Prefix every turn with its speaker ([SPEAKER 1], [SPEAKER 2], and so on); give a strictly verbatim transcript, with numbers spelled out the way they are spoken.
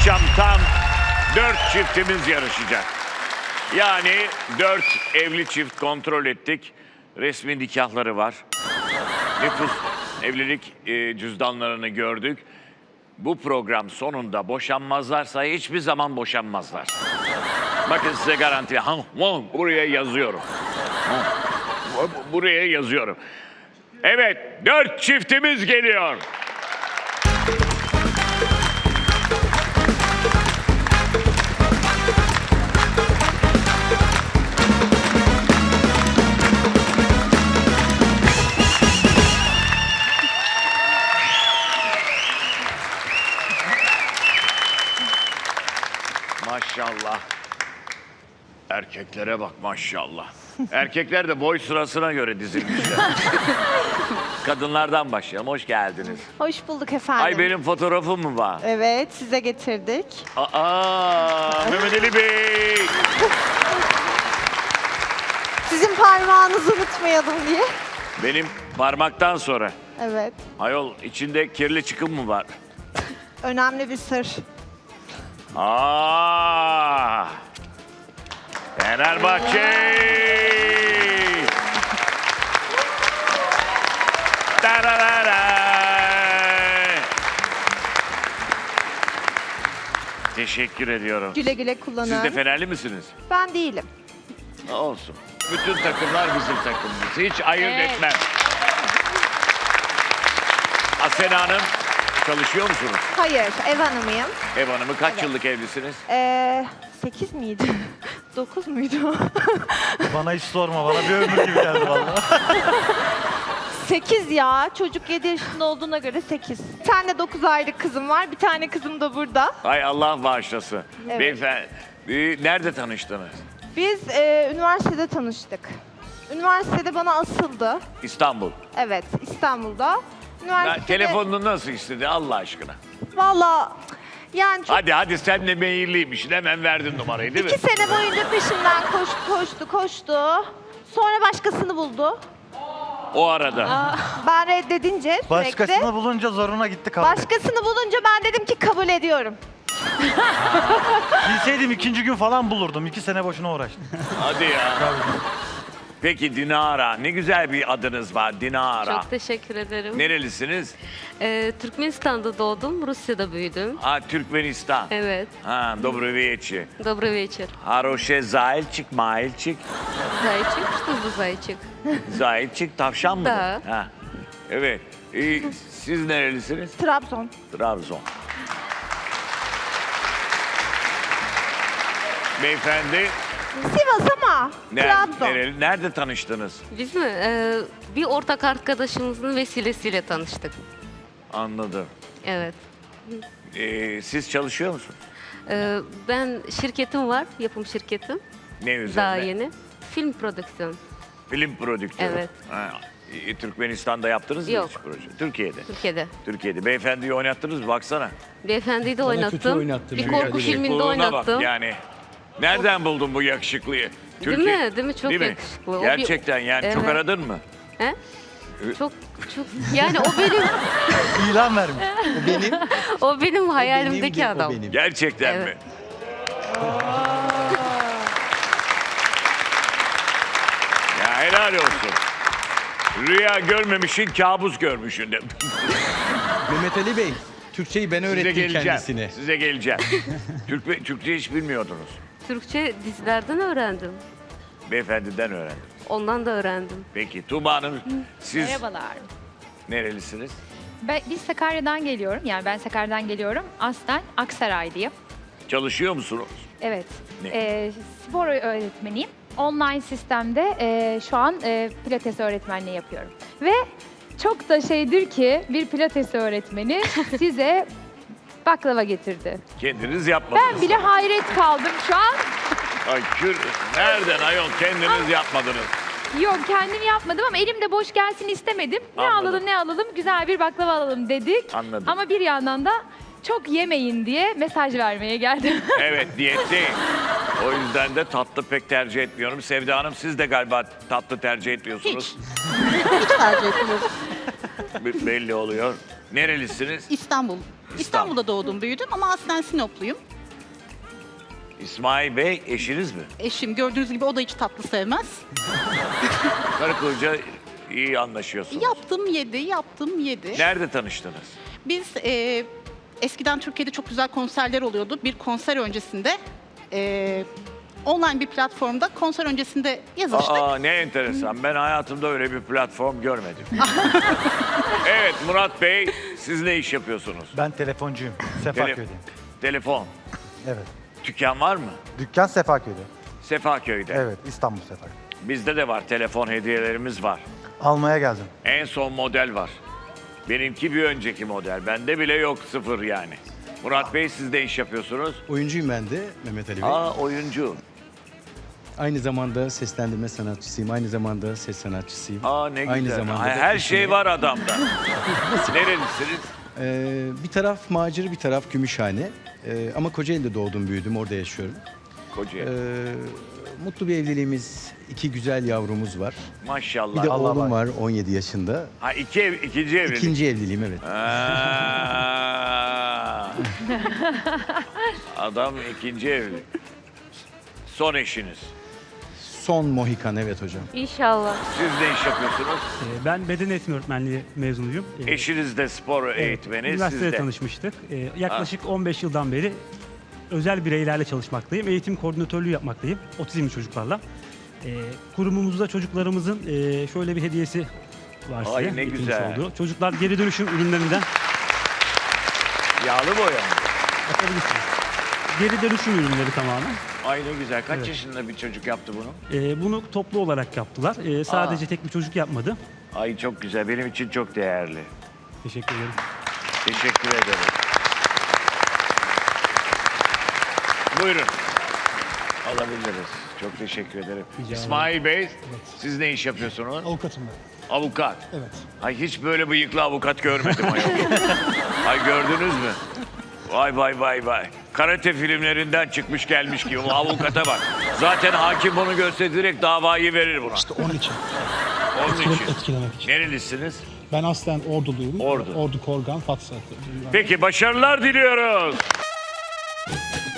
[SPEAKER 1] akşam tam dört çiftimiz yarışacak. Yani dört evli çift kontrol ettik. Resmi nikahları var. Nüfus evlilik e, cüzdanlarını gördük. Bu program sonunda boşanmazlarsa hiçbir zaman boşanmazlar. Bakın size garanti. Ha, buraya yazıyorum. Ha, buraya yazıyorum. Evet, dört çiftimiz geliyor. Maşallah. Erkeklere bak maşallah. Erkekler de boy sırasına göre dizilmişler. Kadınlardan başlayalım. Hoş geldiniz.
[SPEAKER 2] Hoş bulduk efendim.
[SPEAKER 1] Ay benim fotoğrafım mı var?
[SPEAKER 2] Evet, size getirdik.
[SPEAKER 1] Aa, Mehmet Ali Bey.
[SPEAKER 2] Sizin parmağınızı unutmayalım diye.
[SPEAKER 1] Benim parmaktan sonra.
[SPEAKER 2] Evet,
[SPEAKER 1] Ayol içinde kirli çıkım mı var?
[SPEAKER 2] önemli bir sır.
[SPEAKER 1] Aa! Fenerbahçe! Tararara! Teşekkür ediyorum.
[SPEAKER 2] Güle güle kullanın.
[SPEAKER 1] Siz de Fenerli misiniz?
[SPEAKER 2] Ben değilim.
[SPEAKER 1] Olsun. Bütün takımlar bizim takımımız. Hiç ayırt
[SPEAKER 2] Evet.
[SPEAKER 1] etmem. Asena Hanım, çalışıyor musunuz?
[SPEAKER 2] Hayır, ev hanımıyım.
[SPEAKER 1] Ev hanımı kaç
[SPEAKER 2] Evet.
[SPEAKER 1] yıllık evlisiniz?
[SPEAKER 2] Ee, sekiz miydi? Dokuz muydu?
[SPEAKER 3] Bana hiç sorma, bana bir ömür gibi geldi vallahi.
[SPEAKER 2] Sekiz ya. Çocuk yedi yaşında olduğuna göre sekiz. Bir tane dokuz aylık kızım var. Bir tane kızım da burada.
[SPEAKER 1] Ay Allah bağışlasın.
[SPEAKER 2] Evet.
[SPEAKER 1] Beyefendi, e, nerede tanıştınız?
[SPEAKER 2] Biz e, üniversitede tanıştık. Üniversitede bana asıldı.
[SPEAKER 1] İstanbul.
[SPEAKER 2] Evet, İstanbul'da.
[SPEAKER 1] Ya,
[SPEAKER 2] Üniversitede...
[SPEAKER 1] telefonunu nasıl istedi Allah aşkına?
[SPEAKER 2] Valla yani çok...
[SPEAKER 1] Hadi hadi sen de meyilliymişsin hemen verdin numarayı değil mi?
[SPEAKER 2] İki sene boyunca peşimden koştu, koştu, koştu. Sonra başkasını buldu.
[SPEAKER 1] O arada.
[SPEAKER 2] Ben reddedince sürekli...
[SPEAKER 3] Başkasını bulunca zoruna gitti kabul et.
[SPEAKER 2] Başkasını bulunca ben dedim ki kabul ediyorum.
[SPEAKER 3] Bilseydim ikinci gün falan bulurdum. İki sene boşuna uğraştım.
[SPEAKER 1] Hadi ya. Peki Dinara. Ne güzel bir adınız var Dinara.
[SPEAKER 4] Çok teşekkür ederim.
[SPEAKER 1] Nerelisiniz?
[SPEAKER 4] Ee, Türkmenistan'da doğdum, Rusya'da büyüdüm.
[SPEAKER 1] Ha Türkmenistan.
[SPEAKER 4] Evet,
[SPEAKER 1] Ha Добрый вечер.
[SPEAKER 4] добрый вечер.
[SPEAKER 1] Хороший зайчик, мальчик.
[SPEAKER 4] Зайчик, что за зайчик?
[SPEAKER 1] Zayıfçık tavşan mı?
[SPEAKER 4] Da.
[SPEAKER 1] Ha. Evet. Ee, siz nerelisiniz?
[SPEAKER 2] Trabzon.
[SPEAKER 1] Trabzon. Beyefendi
[SPEAKER 2] Sivas ama
[SPEAKER 1] nerede,
[SPEAKER 2] Trabzon.
[SPEAKER 1] nereli- nerede tanıştınız?
[SPEAKER 4] Biz mi? Ee, bir ortak arkadaşımızın vesilesiyle tanıştık.
[SPEAKER 1] Anladım.
[SPEAKER 4] Evet.
[SPEAKER 1] Ee, siz çalışıyor musunuz?
[SPEAKER 4] Ee, ben şirketim var, yapım şirketim.
[SPEAKER 1] Ne üzerine?
[SPEAKER 4] Daha yeni. Film prodüksiyon.
[SPEAKER 1] Film prodüktörü.
[SPEAKER 4] Evet.
[SPEAKER 1] Ha, e, Türkmenistan'da yaptınız mı
[SPEAKER 4] Yok.
[SPEAKER 1] hiç proje? Türkiye'de.
[SPEAKER 4] Türkiye'de.
[SPEAKER 1] Türkiye'de. Beyefendiyi oynattınız mı? Baksana.
[SPEAKER 4] Beyefendiyi de
[SPEAKER 5] Bana kötü
[SPEAKER 4] oynattım.
[SPEAKER 5] oynattın,
[SPEAKER 4] Bir
[SPEAKER 5] evet.
[SPEAKER 4] korku
[SPEAKER 5] Hadi.
[SPEAKER 4] filminde
[SPEAKER 1] Yakışıklılığına
[SPEAKER 4] oynattım.
[SPEAKER 1] Bak yani. Nereden buldun bu yakışıklıyı?
[SPEAKER 4] Değil mi? Değil mi? Çok yakışıklı. O bir-
[SPEAKER 1] Gerçekten yani çok
[SPEAKER 4] Evet.
[SPEAKER 1] aradın mı?
[SPEAKER 4] He? Çok çok yani o benim
[SPEAKER 3] İlan vermiş.
[SPEAKER 5] O benim,
[SPEAKER 4] o benim
[SPEAKER 5] benim
[SPEAKER 4] hayalimdeki
[SPEAKER 5] de o
[SPEAKER 4] adam.
[SPEAKER 5] benim.
[SPEAKER 1] Gerçekten
[SPEAKER 4] Evet.
[SPEAKER 1] mi? Ya helal olsun. Rüya görmemişin, kabus görmüşün de.
[SPEAKER 5] Mehmet Ali Bey, Türkçeyi ben
[SPEAKER 1] Size
[SPEAKER 5] öğrettim
[SPEAKER 1] geleceğim.
[SPEAKER 5] kendisine.
[SPEAKER 1] Size geleceğim. Türk, Türkçe hiç bilmiyordunuz.
[SPEAKER 4] Türkçe dizilerden öğrendim.
[SPEAKER 1] Beyefendiden öğrendim.
[SPEAKER 4] Ondan da öğrendim.
[SPEAKER 1] Peki Tuğba Hanım siz
[SPEAKER 6] Merhabalar.
[SPEAKER 1] nerelisiniz?
[SPEAKER 6] Ben, biz Sakarya'dan geliyorum. Yani ben Sakarya'dan geliyorum. Aslen Aksaraylıyım.
[SPEAKER 1] Çalışıyor musunuz?
[SPEAKER 6] Evet.
[SPEAKER 1] Ne?
[SPEAKER 6] Ee, spor öğretmeniyim. Online sistemde e, şu an e, pilates öğretmenliği yapıyorum. Ve çok da şeydir ki bir pilates öğretmeni size baklava getirdi.
[SPEAKER 1] Kendiniz yapmadınız.
[SPEAKER 6] Ben bile hayret kaldım şu an.
[SPEAKER 1] Ay kür, nereden ayol kendiniz yapmadınız?
[SPEAKER 6] Yok kendim yapmadım ama elimde boş gelsin istemedim. Ne
[SPEAKER 1] Anladım.
[SPEAKER 6] alalım ne alalım güzel bir baklava alalım dedik.
[SPEAKER 1] Anladım.
[SPEAKER 6] Ama bir yandan da çok yemeyin diye mesaj vermeye geldim.
[SPEAKER 1] Evet diyetteyim. O yüzden de tatlı pek tercih etmiyorum. Sevda Hanım siz de galiba tatlı tercih etmiyorsunuz.
[SPEAKER 7] Hiç tercih etmiyorum.
[SPEAKER 1] B- belli oluyor. Nerelisiniz?
[SPEAKER 7] İstanbul. İstanbul'da doğdum, büyüdüm ama aslen Sinopluyum.
[SPEAKER 1] İsmail Bey eşiniz mi?
[SPEAKER 7] Eşim gördüğünüz gibi o da hiç tatlı sevmez.
[SPEAKER 1] Karı koca iyi anlaşıyorsunuz.
[SPEAKER 7] Yaptım yedi, yaptım yedi.
[SPEAKER 1] Nerede tanıştınız?
[SPEAKER 7] Biz e, eskiden Türkiye'de çok güzel konserler oluyordu. Bir konser öncesinde e, online bir platformda konser öncesinde yazıştık.
[SPEAKER 1] Aa ne enteresan. Ben hayatımda öyle bir platform görmedim. Evet Murat Bey, siz ne iş yapıyorsunuz?
[SPEAKER 3] Ben telefoncuyum.
[SPEAKER 1] Tele-
[SPEAKER 3] Sefaköy'deyim.
[SPEAKER 1] Telefon.
[SPEAKER 3] Evet.
[SPEAKER 1] Dükkan var mı?
[SPEAKER 3] Dükkan Sefaköy'de.
[SPEAKER 1] Sefaköy'de.
[SPEAKER 3] Evet, İstanbul Sefaköy.
[SPEAKER 1] Bizde de var. Telefon hediyelerimiz var.
[SPEAKER 3] Almaya geldim.
[SPEAKER 1] En son model var. Benimki bir önceki model. Bende bile yok, sıfır yani. Murat Bey, siz de iş yapıyorsunuz.
[SPEAKER 5] Oyuncuyum ben de Mehmet Ali Bey.
[SPEAKER 1] Aa oyuncu.
[SPEAKER 5] Aynı zamanda seslendirme sanatçısıyım. Aynı zamanda ses sanatçısıyım.
[SPEAKER 1] Aa ne güzel.
[SPEAKER 5] Aynı zamanda
[SPEAKER 1] Ay,
[SPEAKER 5] da
[SPEAKER 1] her
[SPEAKER 5] eşime-
[SPEAKER 1] şey var adamda. Nerelisiniz?
[SPEAKER 5] Ee, bir taraf Macir, bir taraf Gümüşhane. Ee, ama Kocaeli'de doğdum, büyüdüm. Orada yaşıyorum.
[SPEAKER 1] Kocaeli.
[SPEAKER 5] Ee, mutlu bir evliliğimiz, iki güzel yavrumuz var.
[SPEAKER 1] Maşallah.
[SPEAKER 5] Bir de
[SPEAKER 3] Allah
[SPEAKER 5] oğlum
[SPEAKER 3] var.
[SPEAKER 5] var on yedi yaşında.
[SPEAKER 1] Ha iki ev, ikinci evlilik.
[SPEAKER 5] İkinci evliliğim evet.
[SPEAKER 1] Aa. Adam ikinci evlilik. Son eşiniz.
[SPEAKER 5] Son Mohikan evet hocam.
[SPEAKER 4] İnşallah.
[SPEAKER 1] Siz ne iş yapıyorsunuz?
[SPEAKER 8] Ee, Ben beden eğitimi öğretmenliği mezunuyum. Ee,
[SPEAKER 1] Eşiniz de spor
[SPEAKER 8] evet,
[SPEAKER 1] eğitmeni, siz
[SPEAKER 8] Üniversitede
[SPEAKER 1] de.
[SPEAKER 8] tanışmıştık. Ee, Yaklaşık on beş yıldan beri özel bireylerle çalışmaktayım. Eğitim koordinatörlüğü yapmaktayım. Otizmli çocuklarla. Ee, kurumumuzda çocuklarımızın e, şöyle bir hediyesi var size.
[SPEAKER 1] Ay, ne
[SPEAKER 8] getirmiş
[SPEAKER 1] güzel.
[SPEAKER 8] olduğu. Çocuklar geri dönüşüm ürünlerinden
[SPEAKER 1] Yağlı boya mı?
[SPEAKER 8] bakabilirsiniz. Geri dönüşüm ürünleri tamamen.
[SPEAKER 1] Ay ne güzel. Kaç
[SPEAKER 8] Evet.
[SPEAKER 1] yaşında bir çocuk yaptı bunu?
[SPEAKER 8] Ee, bunu toplu olarak yaptılar. Ee, sadece tek bir çocuk yapmadı.
[SPEAKER 1] Ay çok güzel. Benim için çok değerli.
[SPEAKER 8] Teşekkür ederim.
[SPEAKER 1] Teşekkür ederim. Buyurun. Alabiliriz. Çok teşekkür ederim.
[SPEAKER 8] Rica ederim.
[SPEAKER 1] İsmail Bey, siz ne iş yapıyorsunuz?
[SPEAKER 9] Avukatım ben.
[SPEAKER 1] Avukat.
[SPEAKER 9] Evet.
[SPEAKER 1] Ay hiç böyle bıyıklı avukat görmedim ayol. Ay gördünüz mü? Vay vay vay vay. Karate filmlerinden çıkmış gelmiş gibi. Bu avukata bak. Zaten hakim bunu görse direkt davayı verir buna.
[SPEAKER 9] İşte onun için.
[SPEAKER 1] Onun
[SPEAKER 9] Etkile-
[SPEAKER 1] için.
[SPEAKER 9] etkilemek için.
[SPEAKER 1] Nerelisiniz?
[SPEAKER 9] Ben aslen Orduluyum.
[SPEAKER 1] Ordu.
[SPEAKER 9] Ordu Korgan, Fatsa.
[SPEAKER 1] Peki başarılar diliyoruz.